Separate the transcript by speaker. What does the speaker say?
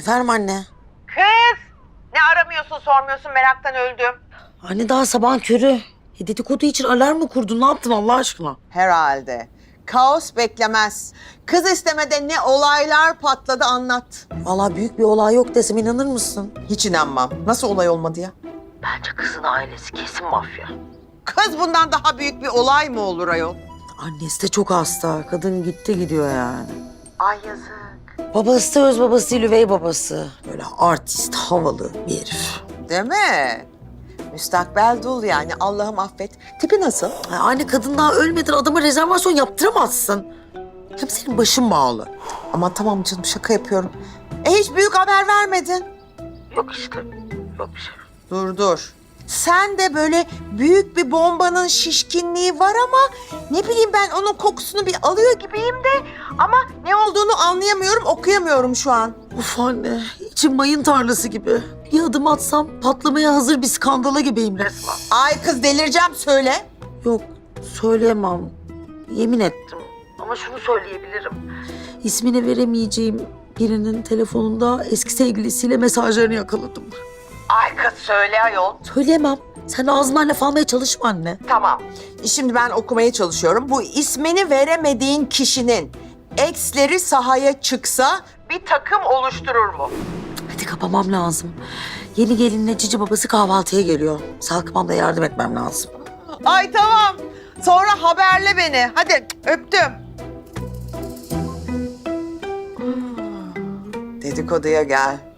Speaker 1: Efendim anne?
Speaker 2: Kız! Ne aramıyorsun, sormuyorsun, meraktan öldüm.
Speaker 1: Anne daha sabahın körü. Dedikodu için alarm mı kurdun? Ne yaptın Allah aşkına?
Speaker 2: Herhalde. Kaos beklemez. Kız istemede ne olaylar patladı anlat.
Speaker 1: Vallahi büyük bir olay yok desem inanır mısın?
Speaker 2: Hiç inanmam. Nasıl olay olmadı ya?
Speaker 1: Bence kızın ailesi kesin mafya.
Speaker 2: Kız bundan daha büyük bir olay mı olur ayol?
Speaker 1: Annesi de çok hasta. Kadın gitti gidiyor yani.
Speaker 2: Ay yazık.
Speaker 1: Babası da öz babası değil, üvey babası. Böyle artist, havalı bir herif.
Speaker 2: Değil mi? Müstakbel dul yani. Allah'ım affet. Tipi nasıl?
Speaker 1: Ay anne kadın daha ölmeden adama rezervasyon yaptıramazsın. Hem senin başın bağlı.
Speaker 2: Ama tamam canım şaka yapıyorum. Hiç büyük haber vermedin.
Speaker 1: Yok işte. Yok bir şey.
Speaker 2: Dur. Sen de böyle büyük bir bombanın şişkinliği var ama ne bileyim ben onun kokusunu bir alıyor gibiyim de ama ne olduğunu anlayamıyorum, okuyamıyorum şu an.
Speaker 1: Of anne, içim mayın tarlası gibi. Bir adım atsam patlamaya hazır bir skandala gibiyim resmen.
Speaker 2: Ay kız delireceğim söyle.
Speaker 1: Yok, söyleyemem. Yemin ettim. Ama şunu söyleyebilirim. İsmini veremeyeceğim birinin telefonunda eski sevgilisiyle mesajlarını yakaladım.
Speaker 2: Ay kız söyle ayol.
Speaker 1: Söyleyemem. Sen ağzından laf almaya çalışma anne.
Speaker 2: Tamam. Şimdi ben okumaya çalışıyorum. Bu ismini veremediğin kişinin eksleri sahaya çıksa bir takım oluşturur mu?
Speaker 1: Hadi kapamam lazım. Yeni gelinle cici babası kahvaltıya geliyor. Salkımam da yardım etmem lazım.
Speaker 2: Ay tamam. Sonra haberle beni. Hadi öptüm. Dedikoduya gel.